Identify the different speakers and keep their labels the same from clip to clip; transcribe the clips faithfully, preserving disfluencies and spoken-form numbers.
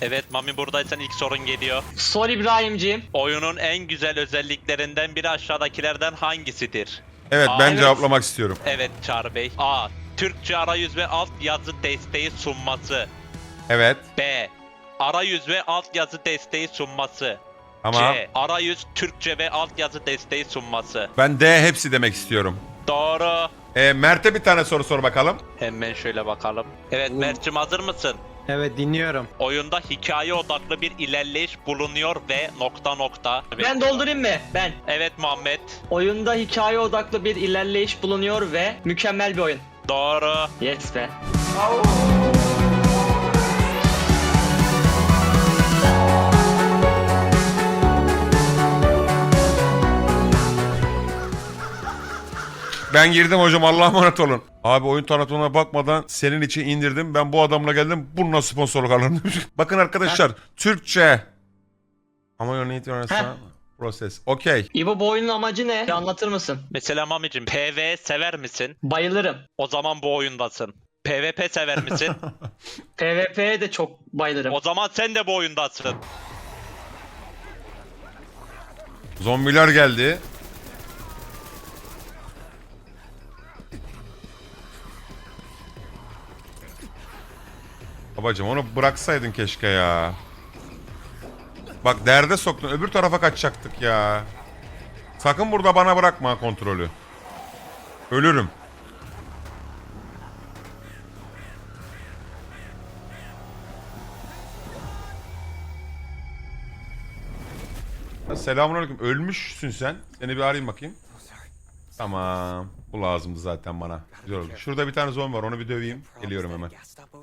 Speaker 1: Evet Mami, buradaysan ilk sorun geliyor.
Speaker 2: Sor İbrahimciğim.
Speaker 1: Oyunun en güzel özelliklerinden biri aşağıdakilerden hangisidir?
Speaker 3: Evet
Speaker 1: Aa,
Speaker 3: ben
Speaker 1: evet.
Speaker 3: cevaplamak istiyorum.
Speaker 1: Evet Çağrı Bey. A. Türkçe arayüz ve altyazı desteği sunması.
Speaker 3: Evet.
Speaker 1: B. Arayüz ve altyazı desteği sunması.
Speaker 3: Ama
Speaker 1: C. Arayüz, Türkçe ve altyazı desteği sunması.
Speaker 3: ben D hepsi demek istiyorum.
Speaker 1: Doğru.
Speaker 3: E, Mert'e bir tane soru sor bakalım.
Speaker 1: Hemen şöyle bakalım. Evet Mert'cim, hazır mısın?
Speaker 4: Evet, dinliyorum.
Speaker 1: Oyunda hikaye odaklı bir ilerleyiş bulunuyor ve nokta nokta.
Speaker 2: Ben doldurayım mı? Ben.
Speaker 1: Evet Muhammed.
Speaker 2: Oyunda hikaye odaklı bir ilerleyiş bulunuyor ve mükemmel bir oyun.
Speaker 1: Doğru.
Speaker 2: Yes be.
Speaker 3: Ben girdim hocam, Allah'a emanet olun. Abi oyun tanıtımına bakmadan senin için indirdim. Ben bu adamla geldim. Bununla sponsorluk alırım. Bakın arkadaşlar, Türkçe. Ama örneğin
Speaker 2: Heh.
Speaker 3: proses. Okey.
Speaker 2: İbo, bu oyunun amacı ne? Bir anlatır mısın?
Speaker 1: Mesela Mami'cim, P V sever misin?
Speaker 2: Bayılırım.
Speaker 1: O zaman bu oyundasın. P V P sever misin?
Speaker 2: PvP'ye de çok bayılırım.
Speaker 1: O zaman sen de bu oyundasın.
Speaker 3: Zombiler geldi. Babacım onu bıraksaydın keşke ya. Bak derde soktun, öbür tarafa kaçacaktık ya. Sakın burada bana bırakma kontrolü. Ölürüm. Selamünaleyküm. Ölmüşsün sen. Seni bir arayayım bakayım. Tamam. Bu lazımdı zaten bana. Güzel oldu. Şurada bir tane zombi var. Onu bir döveyim. Geliyorum hemen.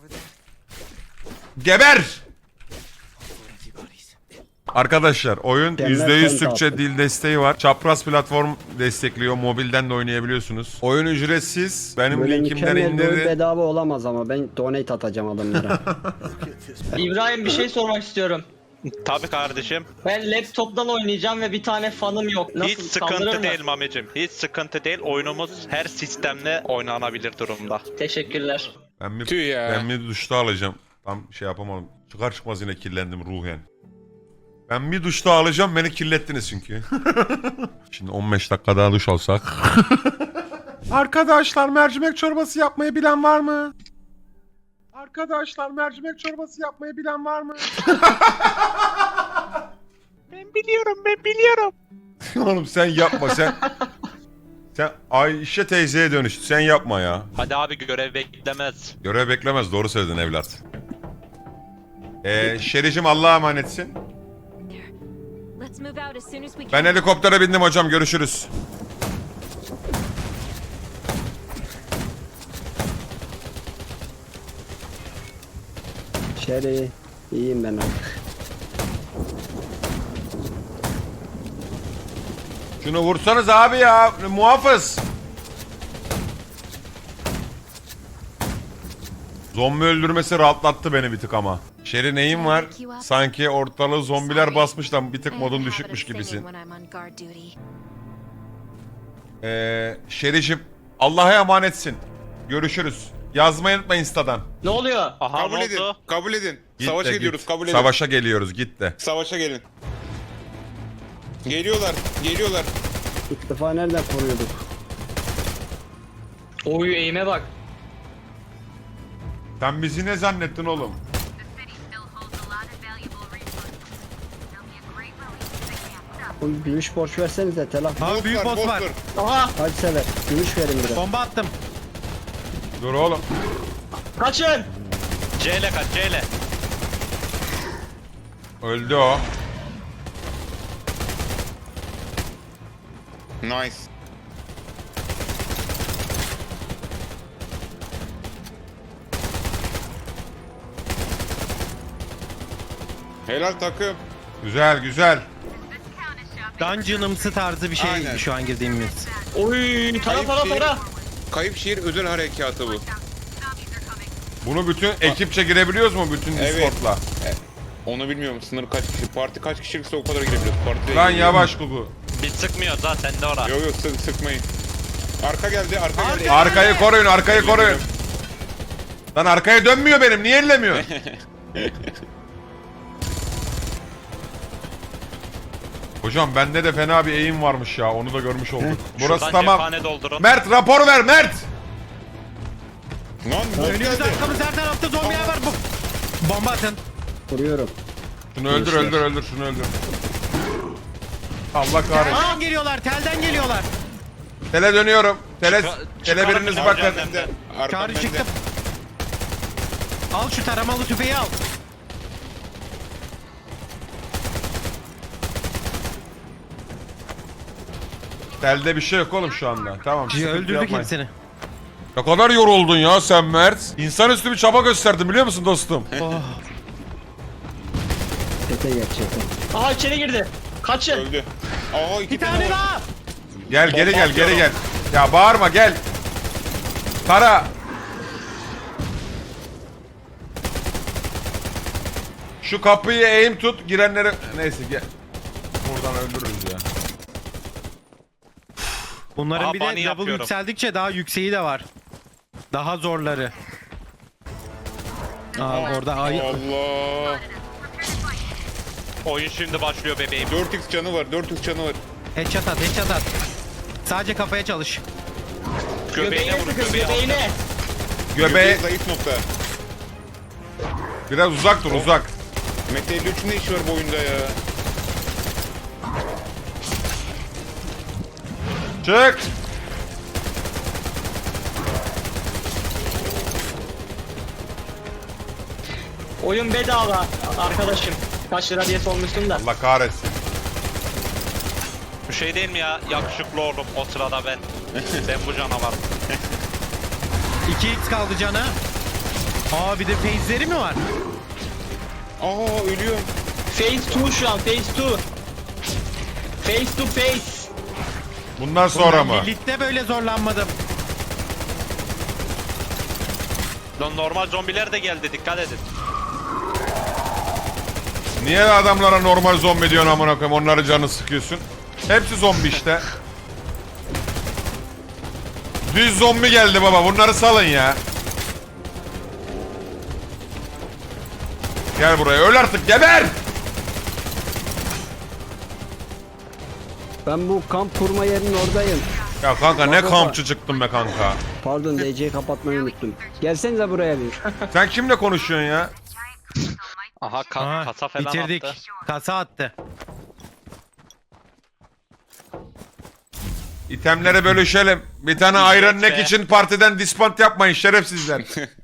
Speaker 3: Geber! Arkadaşlar oyun yüzde yüz Türkçe dil desteği var. Çapraz platform destekliyor. Mobilden de oynayabiliyorsunuz. Oyun ücretsiz. Benim
Speaker 5: Böyle
Speaker 3: linkimden
Speaker 5: mükemmel bir oyun
Speaker 3: indirin.
Speaker 5: bedava olamaz ama ben donate atacağım adamlara.
Speaker 2: İbrahim, bir şey sormak istiyorum.
Speaker 1: Tabii kardeşim.
Speaker 2: Ben laptoptan oynayacağım ve bir tane fanım yok. Nasıl,
Speaker 1: Hiç
Speaker 2: kaldırır
Speaker 1: sıkıntı
Speaker 2: mı?
Speaker 1: değil Mami'cim. Hiç sıkıntı değil. Oyunumuz her sistemle oynanabilir durumda.
Speaker 2: Teşekkürler.
Speaker 3: Ben bir,
Speaker 6: Tüh ya.
Speaker 3: ben bir duşta alacağım. Tam şey yapamadım. Çıkar çıkmaz yine kirlendim ruhen. Ben bir duşta alacağım, beni kirlettiniz çünkü. Şimdi on beş dakika daha duş alsak. Arkadaşlar, mercimek çorbası yapmayı bilen var mı? Arkadaşlar, mercimek çorbası yapmayı bilen var mı?
Speaker 1: Ben biliyorum, ben biliyorum.
Speaker 3: Oğlum sen yapma sen. Sen Ayşe teyzeye dönüştü. Sen yapma ya.
Speaker 1: Hadi abi, görev beklemez.
Speaker 3: Görev beklemez. Doğru söyledin evlat. Ee, Şericim Allah'a emanetsin.
Speaker 7: Let's move out as soon as we can.
Speaker 3: Ben helikoptere bindim hocam. Görüşürüz.
Speaker 5: Şeri, iyiyim ben artık.
Speaker 3: Şunu vursanız abi ya. Muhafız. Zombi öldürmesi rahatlattı beni bir tık ama. Şeri neyin var? Sanki ortalığı zombiler basmış da bir tık modun düşükmüş gibisin. Ee, Şericim Allah'a emanetsin. Görüşürüz. Yazmayı unutma Insta'dan.
Speaker 2: Ne oluyor?
Speaker 1: Aha,
Speaker 6: Kabul
Speaker 1: ne
Speaker 6: edin.
Speaker 1: oldu?
Speaker 6: Kabul edin.
Speaker 3: Git
Speaker 6: Savaşa
Speaker 3: de
Speaker 6: gidiyoruz.
Speaker 3: git.
Speaker 6: Kabul edin.
Speaker 3: Savaşa geliyoruz, git de.
Speaker 6: Savaşa gelin. Geliyorlar. Geliyorlar.
Speaker 5: İlk defa nereden koruyorduk?
Speaker 2: Oy, eğime bak.
Speaker 3: Sen bizi ne zannettin oğlum?
Speaker 5: Oğlum, gümüş borç versenize telaf.
Speaker 4: Abi büyük boss var.
Speaker 2: Aha,
Speaker 5: Hadi sever. Gümüş verin biraz.
Speaker 4: Bomba attım.
Speaker 3: Dur oğlum.
Speaker 2: kaçın.
Speaker 1: C ile kaç, C ile.
Speaker 3: Öldü o.
Speaker 6: Nice. Helal takım.
Speaker 3: Güzel güzel.
Speaker 4: Dungeon'ımsı tarzı bir şey
Speaker 6: Aynen.
Speaker 4: şu an girdiğimiz.
Speaker 2: Oy, tara tara tara.
Speaker 6: Kayıp şehir özel harekatı bu.
Speaker 3: Bunu bütün ekipçe girebiliyoruz mu bütün
Speaker 6: Evet.
Speaker 3: Discord'la?
Speaker 6: Onu bilmiyorum. Sınır kaç kişi? Parti kaç kişilikse o kadar girebiliyoruz. Parti
Speaker 3: Lan yavaş Gugu.
Speaker 1: Biz sıkmıyoruz ha, sende ora.
Speaker 6: Yok yok sık, sıkmayın. Arka geldi. Arka geldi.
Speaker 3: Arkayı koruyun, arkayı koruyun. Lan arkaya dönmüyor benim, niye ellemiyor? Hocam bende de fena bir eğim varmış ya. Onu da görmüş olduk. Burası
Speaker 1: Şuradan
Speaker 3: tamam.
Speaker 1: cephane doldurun.
Speaker 3: Mert rapor ver Mert.
Speaker 6: Lan bot
Speaker 4: Önümüzde
Speaker 6: geldi.
Speaker 4: arkamızda her tarafta zombiler var. Bu. Bomba atın.
Speaker 5: Vuruyorum.
Speaker 3: Şunu öldür öldür öldür şunu öldür. Allah kahretsin.
Speaker 4: Telden geliyorlar, telden geliyorlar.
Speaker 3: Tele dönüyorum. Tele,
Speaker 1: Çıkar-
Speaker 3: tele
Speaker 1: çıkarın
Speaker 3: biriniz
Speaker 1: bizi
Speaker 3: bakın.
Speaker 1: hocam.
Speaker 6: Bende. Arkam
Speaker 4: Çağrı
Speaker 6: bende.
Speaker 4: çıktım. Al şu taramalı tüfeği al.
Speaker 3: Telde bir şey yok oğlum şu anda. Tamam. sıkıntı
Speaker 4: Öldürdük
Speaker 3: yapmayın.
Speaker 4: hepsini.
Speaker 3: Ne kadar yoruldun ya sen Mert. İnsanüstü bir çaba gösterdin biliyor musun dostum?
Speaker 4: Oh.
Speaker 5: Tete gerçekten.
Speaker 2: Aha içeri girdi. Kaçın.
Speaker 6: Öldü. Aa iki
Speaker 4: Bir tane daha.
Speaker 3: Gel geri
Speaker 6: Bomba
Speaker 3: gel geri gel.
Speaker 6: atıyorum.
Speaker 3: Ya bağırma gel. Tara. Şu kapıyı eğim tut girenleri. Neyse gel. Buradan öldürürüz ya.
Speaker 4: Bunların
Speaker 1: Aa,
Speaker 4: bir
Speaker 1: bunny
Speaker 4: de level
Speaker 1: yapıyorum.
Speaker 4: yükseldikçe daha yükseği de var. Daha zorları. Aa, orada ay
Speaker 6: Allah.
Speaker 1: Oyun şimdi başlıyor bebeğim.
Speaker 6: dört x canı var. dört x canı var.
Speaker 4: headshot at, headshot at. Sadece kafaya çalış.
Speaker 1: Göbeğine
Speaker 2: Göbeğine
Speaker 1: vurun
Speaker 2: sıkın
Speaker 1: göbeğine.
Speaker 2: göbeğine.
Speaker 3: Göbeği
Speaker 6: Göbeği zayıf nokta.
Speaker 3: biraz uzak dur uzak.
Speaker 6: Mete elli üçün ne işi var bu oyunda ya?
Speaker 3: Çık.
Speaker 2: Oyun bedava arkadaşım. Kaç lira diye sormuştum da.
Speaker 3: Allah kahretsin.
Speaker 1: Bu şey değil mi ya? Yakışıklı oğlum o sırada ben. Ben bu canavar.
Speaker 4: iki x kaldı cana. Aa bir de phase'leri mi var?
Speaker 6: Aa ölüyorum.
Speaker 2: Phase iki şu an phase iki. Phase iki phase.
Speaker 3: Bundan sonra mı?
Speaker 4: Lilith'te böyle zorlanmadım.
Speaker 1: Lan normal zombiler de geldi dikkat edin.
Speaker 3: Niye adamlara normal zombi diyorsun amına koyayım? Onların canını sıkıyorsun. Hepsi zombi işte. Düz zombi geldi baba. Bunları salın ya. Gel buraya. Öl artık. Geber!
Speaker 5: Ben bu kamp kurma yerinin oradayım.
Speaker 3: Ya kanka ne
Speaker 5: Baba.
Speaker 3: kampçı çıktın be kanka.
Speaker 5: Pardon D C'yi kapatmayı unuttum. Gelsenize buraya bir.
Speaker 3: Sen kimle konuşuyorsun ya?
Speaker 1: Aha ka
Speaker 4: Aa,
Speaker 1: kasa falan
Speaker 4: bitirdik.
Speaker 1: attı.
Speaker 4: Kasa attı.
Speaker 3: İtemleri bölüşelim. Bir tane Iron Neck
Speaker 1: be.
Speaker 3: için partiden dispant yapmayın şerefsizler.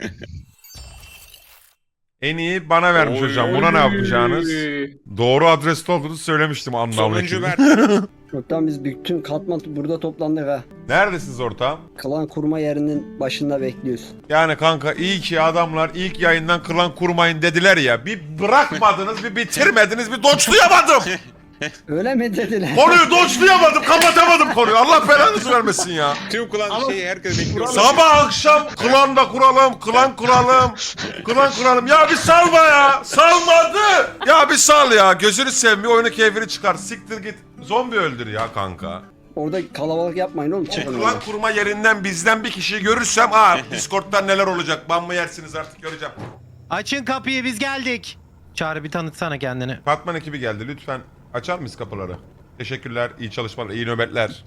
Speaker 3: En iyi bana vermiş
Speaker 6: Oy.
Speaker 3: hocam. Buna ne yapacağınız? Doğru adreste olduğunu söylemiştim anlamlı.
Speaker 6: Sonuncu Mert.
Speaker 5: Çoktan biz bütün katman burada toplandık ha.
Speaker 3: Neredesiniz ortağım?
Speaker 5: Klan kurma yerinin başında bekliyoruz.
Speaker 3: Yani kanka iyi ki adamlar ilk yayından klan kurmayın dediler ya. Bir bırakmadınız, bir bitirmediniz, bir doçlayamadım.
Speaker 5: Öyle mi dediler?
Speaker 3: Konuyu doçlayamadım, kapatamadım konuyu. Allah belanızı vermesin ya.
Speaker 6: Tüm klan şeyi herkes bekliyor.
Speaker 3: Sabah akşam klan da kuralım, klan kuralım, klan kuralım. Ya bir salma ya, salmadı. Ya bir sal ya, gözünü sevmiyor, oyunu keyfini çıkar. Siktir git, zombi öldür ya kanka.
Speaker 5: Orada kalabalık yapmayın oğlum. Çıkın
Speaker 3: Klan
Speaker 5: oradan.
Speaker 3: kurma yerinden bizden bir kişiyi görürsem, aa Discord'dan neler olacak, ban mı yersiniz artık göreceğim.
Speaker 4: Açın kapıyı biz geldik. Çağrı bir tanıtsana kendini.
Speaker 3: Batman ekibi geldi, lütfen açar mıyız kapıları? Teşekkürler, iyi çalışmalar, iyi nöbetler.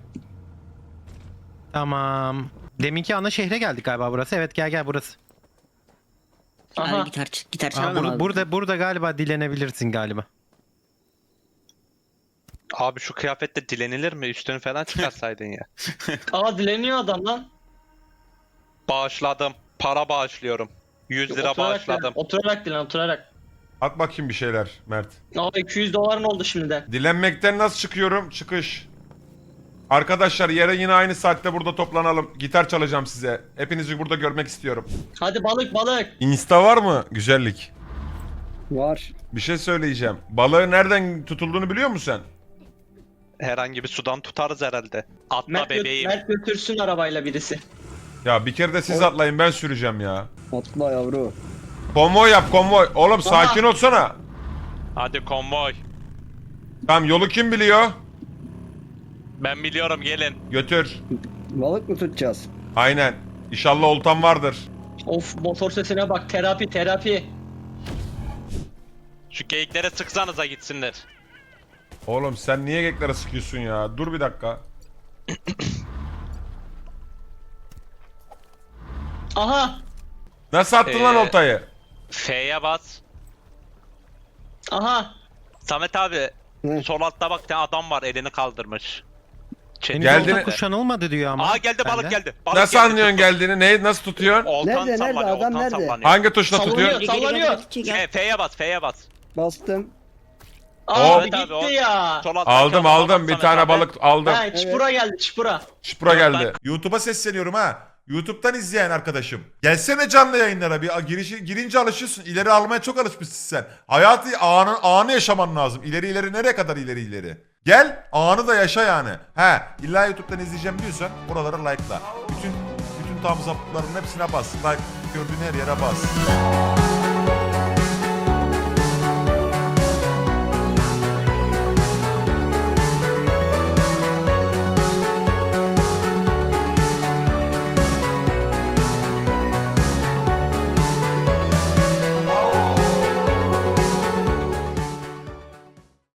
Speaker 4: Tamam. Deminki ana şehre geldik galiba burası. Evet gel gel burası.
Speaker 2: Aha.
Speaker 8: Yani gitar, gitar
Speaker 4: Aa,
Speaker 8: çalalım
Speaker 4: bur-
Speaker 8: abi.
Speaker 4: burada burada galiba dilenebilirsin galiba.
Speaker 1: Abi şu kıyafette dilenilir mi? Üstünü falan çıkarsaydın ya.
Speaker 2: Aa dileniyor adam lan.
Speaker 1: Bağışladım. Para bağışlıyorum. yüz lira
Speaker 2: Oturarak
Speaker 1: bağışladım.
Speaker 2: dilen, Oturarak dilen oturarak.
Speaker 3: At bakayım bir şeyler Mert.
Speaker 2: Aa iki yüz doların oldu şimdiden.
Speaker 3: Dilenmekten nasıl çıkıyorum? Çıkış. Arkadaşlar yere yine aynı saatte burada toplanalım. Gitar çalacağım size. Hepinizi burada görmek istiyorum.
Speaker 2: Hadi balık balık.
Speaker 3: Insta var mı? Güzellik.
Speaker 5: Var.
Speaker 3: Bir şey söyleyeceğim. Balığın nereden tutulduğunu biliyor musun sen?
Speaker 1: Herhangi bir sudan tutarız herhalde. Atla
Speaker 2: Mert, gö-
Speaker 1: bebeğim.
Speaker 2: Mert götürsün arabayla birisi.
Speaker 3: Ya bir kere de siz atlayın ben süreceğim ya.
Speaker 5: Atla yavru.
Speaker 3: Konvoy yap konvoy. Oğlum sakin olsana.
Speaker 1: Hadi konvoy.
Speaker 3: Tamam yolu kim biliyor?
Speaker 1: Ben biliyorum gelin.
Speaker 3: Götür.
Speaker 5: Balık mı tutacağız?
Speaker 3: Aynen. İnşallah oltan vardır.
Speaker 2: Of motor sesine bak terapi terapi.
Speaker 1: Şu geyiklere sıksanıza gitsinler.
Speaker 3: Oğlum sen niye geklere sıkıyorsun ya? Dur bir dakika.
Speaker 2: Aha.
Speaker 3: Nasıl attın lan
Speaker 1: Ee,
Speaker 3: oltayı?
Speaker 1: F'ye bas.
Speaker 2: Aha.
Speaker 1: Samet abi
Speaker 5: Hı.
Speaker 1: sol altta bak tane adam var elini kaldırmış.
Speaker 4: Henüz
Speaker 3: Geldi-
Speaker 4: orada kuşanılmadı diyor ama.
Speaker 1: Aa geldi balık
Speaker 4: benden.
Speaker 1: geldi. Balık
Speaker 3: Nasıl
Speaker 1: geldi,
Speaker 3: anlıyorsun
Speaker 1: tuttum.
Speaker 3: geldiğini? Ne, nasıl tutuyorsun?
Speaker 1: Oltan
Speaker 5: Nerede, nerede?
Speaker 1: sallanıyor,
Speaker 5: Adam
Speaker 1: oltan
Speaker 5: nerede?
Speaker 1: sallanıyor.
Speaker 3: Hangi tuşla
Speaker 2: Sallanıyor,
Speaker 3: tutuyorsun?
Speaker 2: sallanıyor.
Speaker 1: F, F'ye bas, F'ye bas.
Speaker 5: Bastım.
Speaker 2: Abi
Speaker 1: Evet abi,
Speaker 2: gitti
Speaker 1: o-
Speaker 2: ya.
Speaker 1: Sol alttaki
Speaker 3: Aldım
Speaker 1: adama
Speaker 3: aldım
Speaker 1: bas
Speaker 3: bir
Speaker 1: Samet
Speaker 3: tane
Speaker 1: abi.
Speaker 3: balık aldım.
Speaker 2: Ha, çipura geldi çipura.
Speaker 3: Şıpra
Speaker 1: Evet,
Speaker 3: geldi. YouTube'a sesleniyorum ha. YouTube'dan izleyen arkadaşım. Gelsene canlı yayınlara bir girişi, girince alışıyorsun. İleri almaya çok alışmışsın sen. Hayatı anı, anı yaşaman lazım. İleri ileri nereye kadar ileri ileri? Gel anı da yaşa yani. He illa YouTube'dan izleyeceğim diyorsan buraları like'la. Bütün bütün thumbs up'ların hepsine bas. Like gördüğün her yere bas.